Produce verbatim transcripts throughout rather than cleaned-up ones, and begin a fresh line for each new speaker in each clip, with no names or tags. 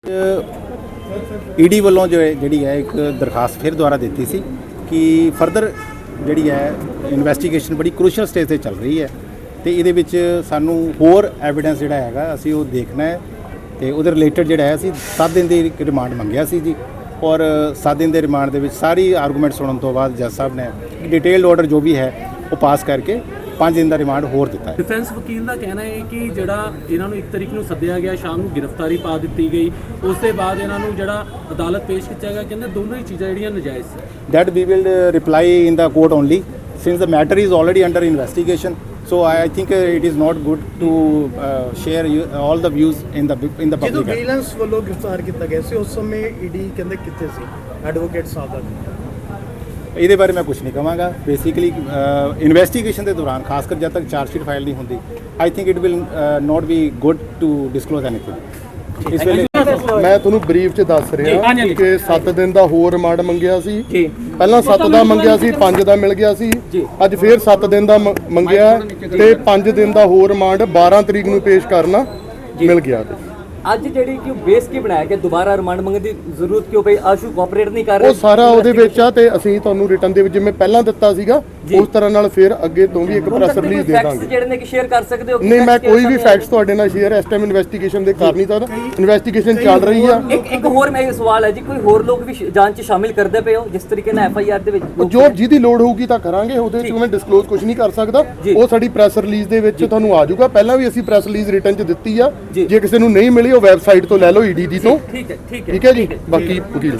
ED ਵੱਲੋਂ जो ਜਿਹੜੀ ਹੈ ਇੱਕ ਦਰਖਾਸਤ ਫਿਰ ਦੁਆਰਾ ਦਿੱਤੀ ਸੀ ਕਿ ਫਰਦਰ ਜਿਹੜੀ ਹੈ ਇਨਵੈਸਟੀਗੇਸ਼ਨ ਬੜੀ ਕ੍ਰੂਸ਼ੀਅਲ ਸਟੇਜ ਤੇ ਚੱਲ ਰਹੀ ਹੈ ਤੇ ਇਹਦੇ ਵਿੱਚ ਸਾਨੂੰ ਹੋਰ ਐਵੀਡੈਂਸ ਜਿਹੜਾ ਹੈਗਾ ਅਸੀਂ ਉਹ ਦੇਖਣਾ ਹੈ ਤੇ ਉਹਦੇ ਰਿਲੇਟਡ ਜਿਹੜਾ ਹੈ ਅਸੀਂ ਸੱਤ ਦਿਨ ਦੀ ਰਿਮਾਂਡ ਮੰਗਿਆ ਸੀ ਜੀ ਔਰ ਸੱਤ ਦਿਨ ਦੇ ਰਿਮਾਂਡ ਦੇ ਵਿੱਚ ਸਾਰੀ ਆਰਗੂਮੈਂਟ ਸੁਣਨ ਤੋਂ ਬਾਅਦ ਜੱਜ ਸਾਹਿਬ ਨੇ ਡਿਟੇਲਡ ਆਰਡਰ ਜੋ ਵੀ ਹੈ ਉਹ ਪਾਸ ਕਰਕੇ पाँच दिन का रिमांड होर दिता है।
डिफेंस वकील का कहना है कि जड़ा इन्हों एक तरीक नूं सद्दिया गया शाम नूं गिरफ्तारी पा दी गई उस दे बाद इन्हों जड़ा अदालत पेश किया गया कहते दोनों ही चीज़ां जड़ियां नजायज़ है।
That we will reply in the court only since the matter is already under investigation so I think it is not good to share all the views in the in the public.
जो vigilance वालों गिरफ्तार किया गया सी उस समय ED कहते कितने सी advocate साहब का
ਇਹਦੇ ਬਾਰੇ ਮੈਂ ਕੁਝ ਨਹੀਂ ਕਹਾਂਗਾ। ਬੇਸਿਕਲੀ ਇਨਵੈਸਟੀਗੇਸ਼ਨ ਦੇ ਦੌਰਾਨ ਖਾਸ ਕਰ ਜਦ ਤੱਕ ਚਾਰਜਸ਼ੀਟ ਫਾਈਲ ਨਹੀਂ ਹੁੰਦੀ I think it will not be good to disclose anything. ਇਸ ਵੇਲੇ
ਮੈਂ ਤੁਹਾਨੂੰ ਬਰੀਫ ਚ ਦੱਸ ਰਿਹਾ ਕਿ ਸੱਤ ਦਿਨ ਦਾ ਹੋਰ ਰਿਮਾਂਡ ਮੰਗਿਆ ਸੀ। ਪਹਿਲਾਂ ਸੱਤ ਦਾ ਮੰਗਿਆ ਸੀ, ਪੰਜ ਦਾ ਮਿਲ ਗਿਆ ਸੀ। ਅੱਜ ਫੇਰ ਸੱਤ ਦਿਨ ਦਾ ਮੰਗਿਆ ਤੇ ਪੰਜ ਦਿਨ ਦਾ ਹੋਰ ਰਿਮਾਂਡ ਬਾਰਾਂ ਤਰੀਕ ਨੂੰ ਪੇਸ਼ ਕਰਨਾ ਮਿਲ ਗਿਆ।
ਅੱਜ ਜਿਹੜੀ ਕਿ ਬੇਸ ਕੀ ਬਣਾਇਆ ਕਿ ਦੁਬਾਰਾ ਰਿਮਾਂਡ ਮੰਗਣ ਦੀ ਜ਼ਰੂਰਤ ਕਿਉਂ ਪਈ? ਆਸ਼ੂ ਕੋਆਪਰੇਟ ਨਹੀਂ ਕਰ ਰਿਹਾ।
ਉਹ ਸਾਰਾ ਉਹਦੇ ਵਿੱਚ ਆ ਤੇ ਅਸੀਂ ਤੁਹਾਨੂੰ ਰਿਟਨ ਦੇ ਵਿੱਚ ਜਿਵੇਂ ਪਹਿਲਾਂ ਦਿੱਤਾ ਸੀਗਾ ਉਸ ਤਰ੍ਹਾਂ ਨਾਲ ਫਿਰ ਅੱਗੇ ਤੋਂ ਵੀ ਇੱਕ ਪ੍ਰੈਸ ਰਿਲੀਜ਼ ਦੇ ਦਾਂਗੇ।
ਜਿਹੜੇ ਨੇ ਕਿ ਸ਼ੇਅਰ ਕਰ ਸਕਦੇ ਹੋ?
ਨਹੀਂ, ਮੈਂ ਕੋਈ ਵੀ ਫੈਕਟਸ ਤੁਹਾਡੇ ਨਾਲ ਸ਼ੇਅਰ ਇਸ ਟਾਈਮ ਇਨਵੈਸਟੀਗੇਸ਼ਨ ਦੇ ਕਰ ਨਹੀਂ ਸਕਦਾ। ਇਨਵੈਸਟੀਗੇਸ਼ਨ ਚੱਲ ਰਹੀ ਆ।
ਇੱਕ ਇੱਕ ਹੋਰ ਮੇਰਾ ਸਵਾਲ ਹੈ ਜੀ, ਕੋਈ ਹੋਰ ਲੋਕ ਵੀ ਜਾਂਚ 'ਚ ਸ਼ਾਮਿਲ ਕਰਦੇ ਪਏ ਹੋ ਜਿਸ ਤਰੀਕੇ ਨਾਲ ਐਫ ਆਈ ਆਰ ਦੇ ਵਿੱਚ?
ਜੋ ਜਿਹਦੀ ਲੋੜ ਹੋਊਗੀ ਤਾਂ ਕਰਾਂਗੇ। ਉਹਦੇ ਵਿੱਚ ਮੈਂ ਡਿਸਕਲੋਜ਼ ਕੁਝ ਨਹੀਂ ਕਰ ਸਕਦਾ। ਉਹ ਸਾਡੀ ਪ੍ਰੈਸ ਰਿਲੀਜ਼ ਦੇ ਵਿੱਚ ਤੁਹਾਨੂੰ ਆ ਜਾਊਗਾ। ਪਹਿਲਾਂ ਵੀ ਅਸੀਂ ਪ੍ਰੈਸ ਰਿਲੀਜ਼ ਰਿਟਨ 'ਚ ਦਿੱਤੀ ਆ। ਜੇ ਕਿਸੇ ਨੂੰ ਨਹੀਂ ਮਿਲੀ ਉਹ ਵੈਬਸਾਈਟ ਤੋਂ ਲੈ ਲਓ ਈਡੀ ਦੀ ਤੋਂ।
ਠੀਕ ਹੈ ਠੀਕ ਹੈ
ਠੀਕ ਹੈ ਜੀ। ਬਾਕੀ ਵਕੀਲ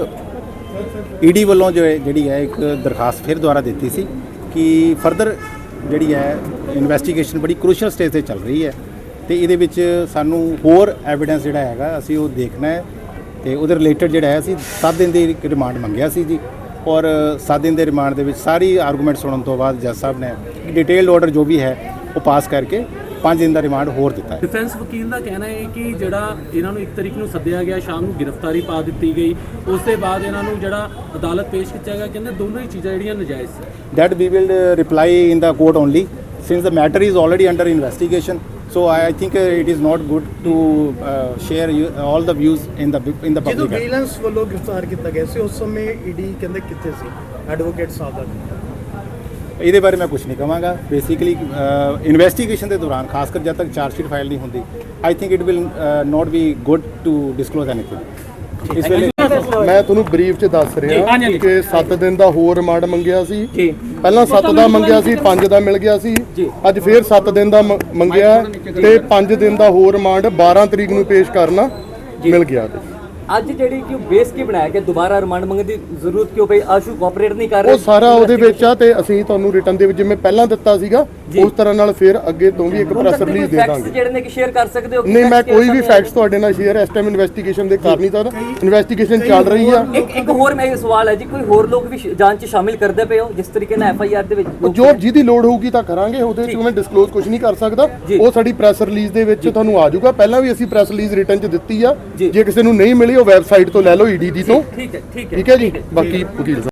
ਈਡੀ ਵੱਲੋਂ ਜੋ ਜਿਹੜੀ ਹੈ ਇੱਕ ਦਰਖਾਸਤ ਫਿਰ ਦੁਆਰਾ ਦਿੱਤੀ ਸੀ ਕਿ ਫਰਦਰ ਜਿਹੜੀ ਹੈ ਇਨਵੈਸਟੀਗੇਸ਼ਨ ਬੜੀ ਕ੍ਰੂਸ਼ੀਅਲ ਸਟੇਜ ਤੇ ਚੱਲ ਰਹੀ ਹੈ ਤੇ ਇਹਦੇ ਵਿੱਚ ਸਾਨੂੰ ਹੋਰ ਐਵੀਡੈਂਸ ਜਿਹੜਾ ਹੈਗਾ ਅਸੀਂ ਉਹ ਦੇਖਣਾ ਹੈ ਤੇ ਉਹਦੇ ਰਿਲੇਟਡ ਜਿਹੜਾ ਹੈ ਅਸੀਂ ਸੱਤ ਦਿਨ ਦੀ ਰਿਮਾਂਡ ਮੰਗਿਆ ਸੀ ਜੀ ਔਰ ਸੱਤ ਦਿਨ ਦੇ ਰਿਮਾਂਡ ਦੇ ਵਿੱਚ ਸਾਰੀ ਆਰਗੂਮੈਂਟ ਸੁਣਨ ਤੋਂ ਬਾਅਦ ਜੱਜ ਸਾਹਿਬ ਨੇ ਡਿਟੇਲਡ ਆਰਡਰ ਜੋ ਵੀ ਹੈ ਉਹ ਪਾਸ ਕਰਕੇ पाँच दिन का रिमांड होर दिता है।
डिफेंस वकील का कहना है कि जड़ा इन्हों एक तरीक नूं सद्दिया गया शाम नूं गिरफ्तारी पा दी गई उस दे बाद इन्हों जड़ा अदालत पेश किया गया कहते दोनों ही चीज़ां जड़ियां नजायज़ है।
That we will reply in the court only since the matter is already under investigation so I think it is not good to share all the views in the in the
जो
public.
Vigilance वालों गिरफ्तार किया गया सी उस समय ED कहते कितने सी advocate साहब का
ਇਹਦੇ ਬਾਰੇ ਮੈਂ ਕੁਝ ਨਹੀਂ ਕਹਾਂਗਾ। ਬੇਸਿਕਲੀ ਇਨਵੈਸਟੀਗੇਸ਼ਨ ਦੇ ਦੌਰਾਨ ਖਾਸ ਕਰ ਜਦ ਤੱਕ ਚਾਰਜਸ਼ੀਟ ਫਾਈਲ ਨਹੀਂ ਹੁੰਦੀ I think it will not be good to disclose anything. ਇਸ ਵੇਲੇ
ਮੈਂ ਤੁਹਾਨੂੰ ਬਰੀਫ ਚ ਦੱਸ ਰਿਹਾ ਕਿ ਸੱਤ ਦਿਨ ਦਾ ਹੋਰ ਰਿਮਾਂਡ ਮੰਗਿਆ ਸੀ। ਪਹਿਲਾਂ ਸੱਤ ਦਾ ਮੰਗਿਆ ਸੀ, ਪੰਜ ਦਾ ਮਿਲ ਗਿਆ ਸੀ। ਅੱਜ ਫੇਰ ਸੱਤ ਦਿਨ ਦਾ ਮੰਗਿਆ ਤੇ ਪੰਜ ਦਿਨ ਦਾ ਹੋਰ ਰਿਮਾਂਡ ਬਾਰਾਂ ਤਰੀਕ ਨੂੰ ਪੇਸ਼ ਕਰਨਾ ਮਿਲ ਗਿਆ।
ਅੱਜ ਜਿਹੜੀ ਕਿ ਬੇਸ ਕੀ ਬਣਾਇਆ ਕਿ ਦੁਬਾਰਾ ਰਿਮਾਂਡ ਮੰਗਣ ਦੀ ਜ਼ਰੂਰਤ ਕਿਉਂ ਪਈ? ਆਸ਼ੂ ਕੋਆਪਰੇਟ ਨਹੀਂ ਕਰ ਰਿਹਾ।
ਉਹ ਸਾਰਾ ਉਹਦੇ ਵਿੱਚ ਆ ਤੇ ਅਸੀਂ ਤੁਹਾਨੂੰ ਰਿਟਨ ਦੇ ਵਿੱਚ ਜਿਵੇਂ ਪਹਿਲਾਂ ਦਿੱਤਾ ਸੀਗਾ ਉਸ ਤਰ੍ਹਾਂ ਨਾਲ ਫਿਰ ਅੱਗੇ ਤੋਂ ਵੀ ਇੱਕ ਪ੍ਰੈਸ ਰਿਲੀਜ਼ ਦੇ ਦਾਂਗੇ।
ਜਿਹੜੇ ਨੇ ਕਿ ਸ਼ੇਅਰ ਕਰ ਸਕਦੇ ਹੋ?
ਨਹੀਂ, ਮੈਂ ਕੋਈ ਵੀ ਫੈਕਟਸ ਤੁਹਾਡੇ ਨਾਲ ਸ਼ੇਅਰ ਇਸ ਟਾਈਮ ਇਨਵੈਸਟੀਗੇਸ਼ਨ ਦੇ ਕਰ ਨਹੀਂ ਸਕਦਾ। ਇਨਵੈਸਟੀਗੇਸ਼ਨ ਚੱਲ ਰਹੀ ਆ। ਇੱਕ
ਇੱਕ ਹੋਰ ਮੇਰਾ ਸਵਾਲ ਹੈ ਜੀ, ਕੋਈ ਹੋਰ ਲੋਕ ਵੀ ਜਾਂਚ 'ਚ ਸ਼ਾਮਿਲ ਕਰਦੇ ਪਏ ਹੋ ਜਿਸ ਤਰੀਕੇ ਨਾਲ ਐਫ ਆਈ ਆਰ ਦੇ ਵਿੱਚ?
ਜੋ ਜਿਹਦੀ ਲੋੜ ਹੋਊਗੀ ਤਾਂ ਕਰਾਂਗੇ। ਉਹਦੇ ਵਿੱਚ ਮੈਂ ਡਿਸਕਲੋਜ਼ ਕੁਝ ਨਹੀਂ ਕਰ ਸਕਦਾ। ਉਹ ਸਾਡੀ ਪ੍ਰੈਸ ਰਿਲੀਜ਼ ਦੇ ਵਿੱਚ ਤੁਹਾਨੂੰ ਆ ਜਾਊਗਾ। ਪਹਿਲਾਂ ਵੀ ਅਸੀਂ ਪ੍ਰੈਸ ਰਿਲੀਜ਼ ਰਿਟਨ 'ਚ ਦਿੱਤੀ ਆ। ਜੇ ਕਿਸੇ ਨੂੰ ਨਹੀਂ ਮਿਲੀ ਉਹ ਵੈਬਸਾਈਟ ਤੋਂ ਲੈ ਲਓ ਈਡੀ ਦੀ ਤੋਂ।
ਠੀਕ ਹੈ ਠੀਕ ਹੈ
ਠੀਕ ਹੈ ਜੀ। ਬਾਕੀ ਵਕੀਲ